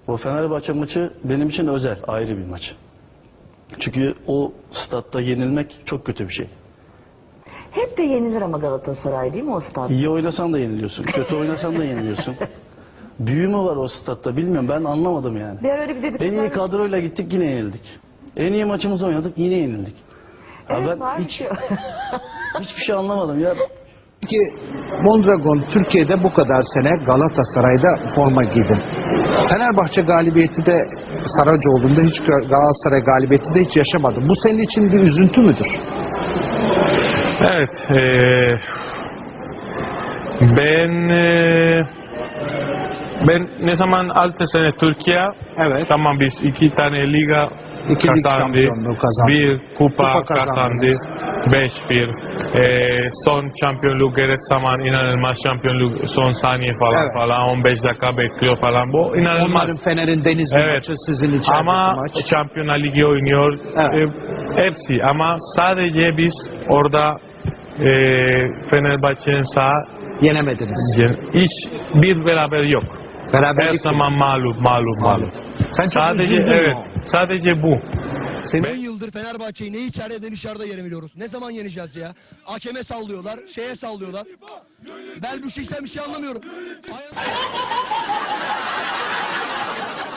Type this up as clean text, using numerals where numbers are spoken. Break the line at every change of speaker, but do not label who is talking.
O Fenerbahçe maçı benim için özel, ayrı bir maç. Çünkü o statta yenilmek çok kötü bir şey.
Hep de yenilir ama Galatasaray değil mi o stat?
İyi oynasan da yeniliyorsun, kötü oynasan da yeniliyorsun. Büyü mü var o statta bilmiyorum, ben anlamadım yani.
Bir ara öyle bir dedik.
En iyi kadroyla gittik, yine yenildik. En iyi maçımızı oynadık, yine yenildik. Ya
Evet,
ben
var bir şey.
hiçbir şey anlamadım ya.
Peki Mondragon Türkiye'de bu kadar sene Galatasaray'da forma giydin. Fenerbahçe galibiyeti de Saracoğlu'nda hiç Galatasaray galibiyeti de hiç yaşamadım. Bu senin için bir üzüntü müdür?
Evet. Ben ne zaman 6 sene Türkiye,
Evet.
tamam biz 2 tane liga
İki lig
kazandı,
şampiyonluğu kazandı.
bir kupa kazandı,
kazandınız.
5-1. Son şampiyonluk gerek zaman inanılmaz şampiyonluk son saniye falan
Evet.
falan 15 dakika bekliyor falan, bu inanılmaz.
Onların Fener'in Denizli
Evet.
maçı, sizin içerideki
Ama
maç.
Şampiyonlar Ligi oynuyor,
Evet.
hepsi, ama sadece biz orada Fenerbahçe'nin sağ
Yenemediniz.
hiç bir beraber yok. Her
Beraberlik
zaman mağlup.
Sen çok
Sadece
üzüldün
evet,
mü?
sadece bu.
10 yıldır Fenerbahçe'yi ne içeride ne dışarıda yenemiyoruz. Ne zaman yeneceğiz ya? Hakeme sallıyorlar, şeye sallıyorlar. Ben bu işten bir şey anlamıyorum.